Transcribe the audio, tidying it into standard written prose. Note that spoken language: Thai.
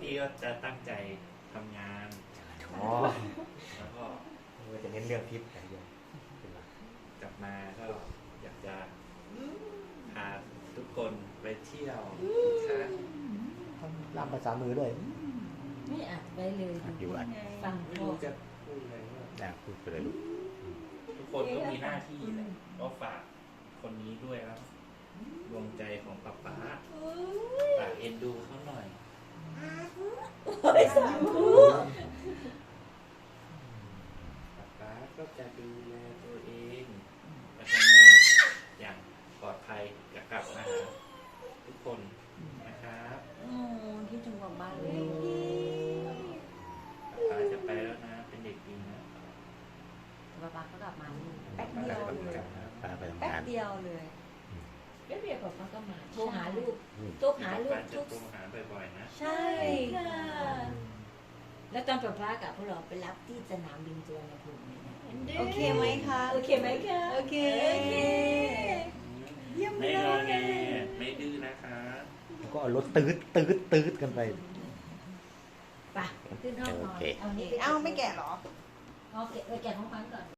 พี่ก็จะตั้งใจทำงานอ๋อแล้วก็เราจะเน้นเรื่องทิพย์อย่างเดียวกลับมาก็อยากจะพาทุกคนไปเที่ยวครับล่ามภาษามือด้วยไม่อัดไว้เลยอยู่อัดฟังไม่พ่อรู้จะพูดอะไรว่าพูดไปเลยลูกทุกคนก็มีหน้าที่แหละก็ฝากคนนี้ด้วยครับดวงใจของป๊าป๊าฝากเอ็นดูเขาหน่อยสาธุป๊าป๊าก็จะดูแลตัวเองและทำงานอย่างปลอดภัยจะกลับมาหาทุกคนนะครับโอ้คิดถึงบอกบ้านเลยป๊าป๊าจะไปแล้วนะ เป็นเด็กดีนะป๊าป๊าก็กลับมานี่ป๊าป๊าจะไปกลับนะพาไปทำแป๊บงานเดียวเลยแป๊บเดียวป๊าป๊าก็มาโทรหาลูกอืมโทรหาลูป๊าก ป๊าจะทุกโทรหาบ่อยๆนะใช่ค่ะ แล้วตอนป๊าป๊ากับพวกเราไปรับที่สนามบินสุวรรณภูมิเนี่ยนะโอเคไหมคะโอเคไหมคะโอเคโอเคเยี่ยมไม่เลงอแงยไม่ดื้อนะคะแล้วก็เอารถตืดกันไปไปขึ้นห้องนอนโอเคเอานี้เอ้าไม่แก่เหรอเอาแกะของขวัญก่อน